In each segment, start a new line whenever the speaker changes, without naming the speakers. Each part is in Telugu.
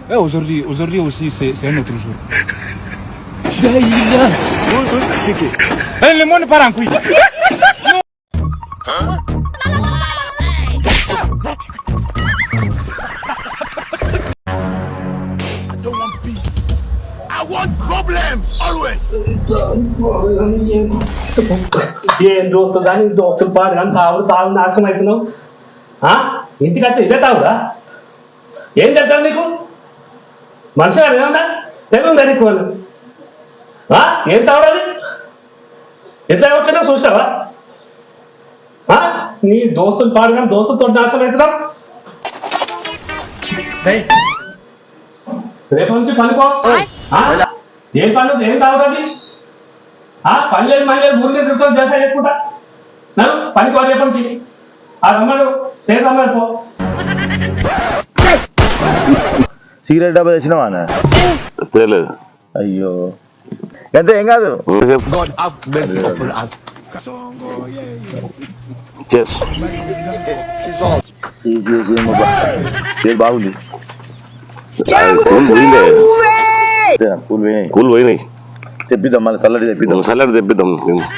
aujourd'hui aussi, c'est un autre jour. Le monde part en couille.
I want problems always.
ఏం దోస్తు కానీ దోస్తులు పాడు కానీ తాగు నాశనం అవుతున్నావు. ఇంటికి వచ్చి ఇదే తాగురా? ఏం చెప్తాను నీకు? మనిషి గారు ఏమన్నా తెగుందా నీకు? వాళ్ళు ఏం తాగడది? ఎంత ఎవరికైనా చూసావా? నీ దోస్తులు పాడు కానీ దోస్తులతో నాశనం అవుతున్నావు. రేపు నుంచి పనుకో. ఏం పనులు ఏం తాగుతుంది? పని లేదు మళ్ళీ లేదు ఊరి తిరుగుతూ జలసా చేసుకుంటా పనికి వాళ్ళు రేపటి నుంచి రమ్మడు సేపు రమ్మడు పో.
సిగరెట్ డబ్బా తెచ్చినావా?
తెలియదు.
అయ్యో ఎంత ఏం కాదు. బాగుంది.
కూల్ పోయినాయి.
తెప్పిద్దాం మళ్ళీ చల్లడి తెప్పిద్దాం.
చల్లడి తెప్పిద్దాం.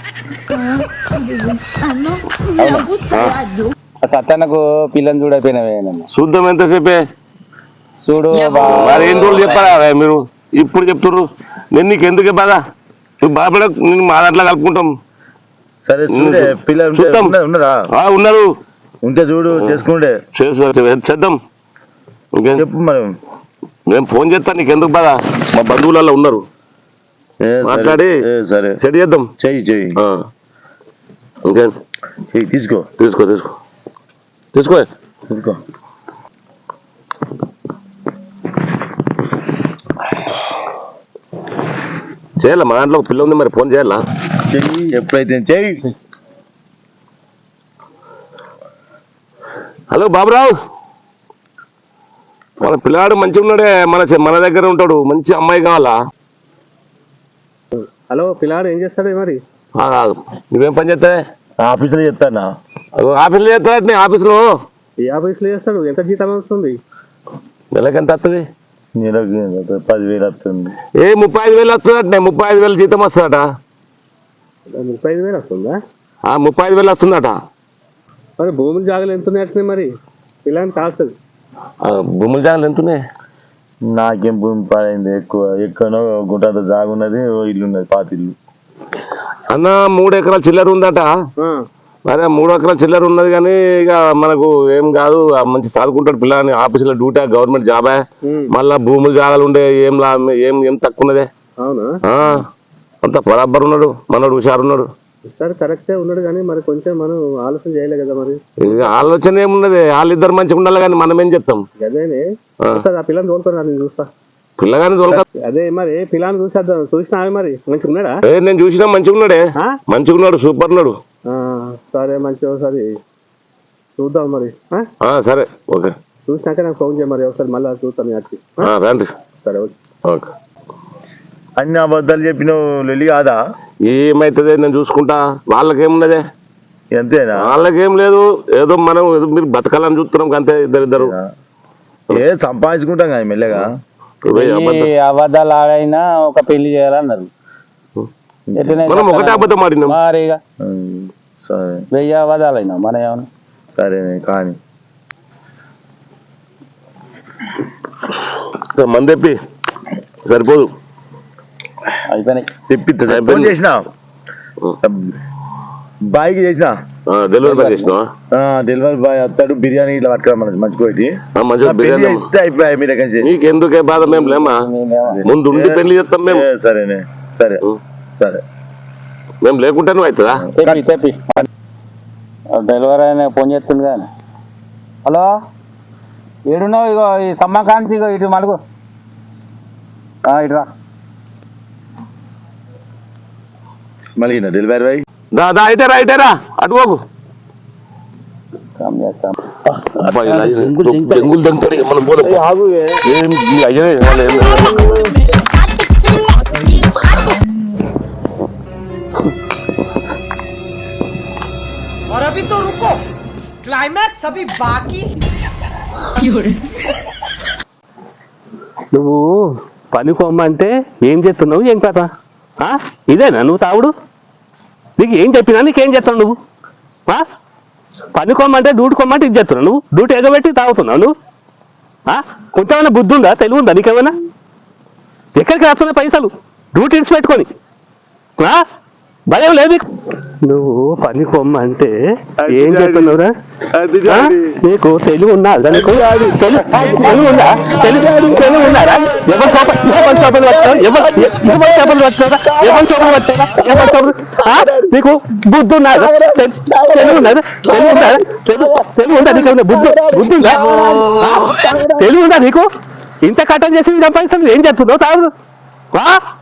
సత్తన్నకు పిల్లని చూడైపోయినవే.
చూద్దాం ఎంతసేపే
చూడు
మరి ఎన్ని రోజులు చెప్పారా మీరు ఇప్పుడు చెప్తుర్రు? నేను నీకు ఎందుకే బాధ? నువ్వు బాధపడ నేను మా దాంట్లో కలుపుకుంటాం.
సరే పిల్లలు
ఉన్నారు
ఉంటే చూడు చేసుకుంటే
చేద్దాం.
చెప్పు మరి.
మేము ఫోన్ చేస్తాను నీకు ఎందుకు బాధ? మా బంధువులలో ఉన్నారు మాట్లాడి
సరే
సెట్ చేద్దాం.
చెయ్యి
ఇంకే
తీసుకో
తీసుకో తీసుకో తీసుకో
తీసుకో.
చేయాలా? మా దాంట్లో పిల్ల ఉంది మరి ఫోన్ చేయాలా?
చెయ్యి ఎప్పుడైతే చెయ్యి.
హలో బాబురావు, మన పిల్లాడు మంచిగా ఉన్నాడే, మన దగ్గర ఉంటాడు. మంచి అమ్మాయి కావాలా?
హలో పిల్లాడు ఏం చేస్తాడు మరి?
నువ్వేం పని చేస్తావే?
ఆఫీసులో చేస్తానా?
ఆఫీసులో చేస్తాడు. ఆఫీసులో
ఏ ఆఫీసులో చేస్తాడు? ఎంత జీతం వస్తుంది?
నెలకి ఎంత వస్తుంది?
నెలకి 10,000 వస్తుంది.
35,000 వస్తుందట. 35,000 జీతం వస్తుందట.
35,000 వస్తుందా?
35,000 వస్తుందట.
మరి భూములు జాగాలు ఎంత ఉన్నాయి మరి పిల్లని కాస్తుంది?
భూముల జాగాలు ఎంత ఉన్నాయి?
నాకేం భూమి పాడైంది. ఎక్కువనో గుంటంత జాగా ఉన్నది, ఇల్లు ఉన్నది, పాత ఇల్లు.
అన్న 3 ఎకరాల చిల్లర ఉందట. మరి 3 ఎకరాల చిల్లర ఉన్నది కానీ ఇక మనకు ఏం కాదు. మంచి చదువుకుంటాడు పిల్లని. ఆఫీసులో డ్యూటీ, గవర్నమెంట్ జాబే. మళ్ళా భూములు జాగాలు ఉండే ఏం తక్కువ ఉన్నదే. అంత బరాబర్ ఉన్నాడు. మనోడు హుషారున్నాడు.
సార్ కరెక్టే ఉన్నాడు కానీ మరి కొంచెం మనం ఆలోచన చేయలే కదా. మరి
ఆలోచన ఏమున్నది? వాళ్ళిద్దరు మంచిగా ఉండాలి కానీ మనం ఏం చెప్తాం?
అదేనే ఆ పిల్లని తోలుకొని నేను చూస్తా.
పిల్లగాని తోలుక
అదే మరి పిల్లని చూసినా మరి మంచిగా ఉన్నాడా?
నేను చూసినా మంచిగా ఉన్నాడే. మంచిగా ఉన్నాడు, సూపర్ ఉన్నాడు.
సరే మంచిగా ఒకసారి చూద్దాం మరి.
సరే ఓకే.
చూసినాక నాకు ఫోన్ చేయ మరి ఒకసారి మళ్ళీ చూస్తాను.
రండి.
సరే
ఓకే.
అన్ని అబద్ధాలు చెప్పినావు లొల్లి కాదా?
ఏమైతుంది నేను చూసుకుంటా. వాళ్ళకేమున్నదే?
అంతేనా?
వాళ్ళకేం లేదు. ఏదో మనం మీరు బతకాలని చూస్తున్నాం అంతే. ఇద్దరు
సంపాదించుకుంటాం కదా మెల్లగా.
అబద్ధాలు ఆడైనా ఒక పెళ్లి చేయాలన్నారు.
మనం ఒకటే అబద్ధం ఆడినాం.
మరిగా 1000 అబద్ధాలు అయినా మన ఏమన్నా.
సరే కానీ
మంది తెప్పి సరిపోదు.
అయిపోయినాయి.
తెప్పిస్తా. చేసిన బాయ్కి చేసిన
డెలివరీ బాయ్ చేసినా.
డెలివరీ బాయ్ వస్తాడు. బిర్యానీ ఇట్లా పట్టుకురా మంచిగా అయిపోయాయి. మీ దగ్గర నుంచి
నీకు ఎందుకే బాధ? మేము లేమా? ముందు ఉండి పెళ్లి చేస్తాం మేము.
సరేనే సరే సరే.
మేము లేకుంటే నువ్వు అవుతుందా?
తెప్పి డెలివరీ అయినా ఫోన్ చేస్తుంది కానీ. హలో ఏడున్నావు? ఇగో ఈ సమ్మకాంతి ఇటు మలుగు ఇటురా.
మళ్ళీ డెలివరీ బాయ్
అయితేరా అటు పోకు. బెంగులు దంగుతాడు మనం పోదాం. అయ్యే
और अभी तो रुको, क्लाइमैक्स अभी बाकी।
నువ్వు పనికొమ్మంటే ఏం చేస్తున్నావు ఏం కథ ఇదేనా నువ్వు తాగుడు? నీకు ఏం చెప్పినా నీకేం చేస్తావు నువ్వు? పనికొమ్మంటే డ్యూటీ కొమ్మంటే ఇది చేస్తున్నావు నువ్వు, డ్యూటీ ఎగబెట్టి తాగుతున్నావు నువ్వు. కొంచెమైనా బుద్ధి ఉందా, తెలివి ఉందా నీకేమైనా? ఎక్కడికి రాస్తున్నాయి పైసలు డ్యూటీ ఇడిచి పెట్టుకొని? భయం లేదు నువ్వు పనికొమ్మంటే ఏం చెప్తున్నావురా? నీకు తెలివి ఉందా? నీకు తెలివి ఉందా? తెలివి ఉన్నారా? ఎవరు చేపలు పట్టారా? నీకు బుద్ధి ఉన్నారా? తెలివి ఉన్నారా? తెలివి ఉందా నీకు? బుద్ధి ఉందా? తెలివి ఉందా నీకు? ఇంత కట్టం చేసి పైసలు ఏం చెప్తున్నావు తాగు?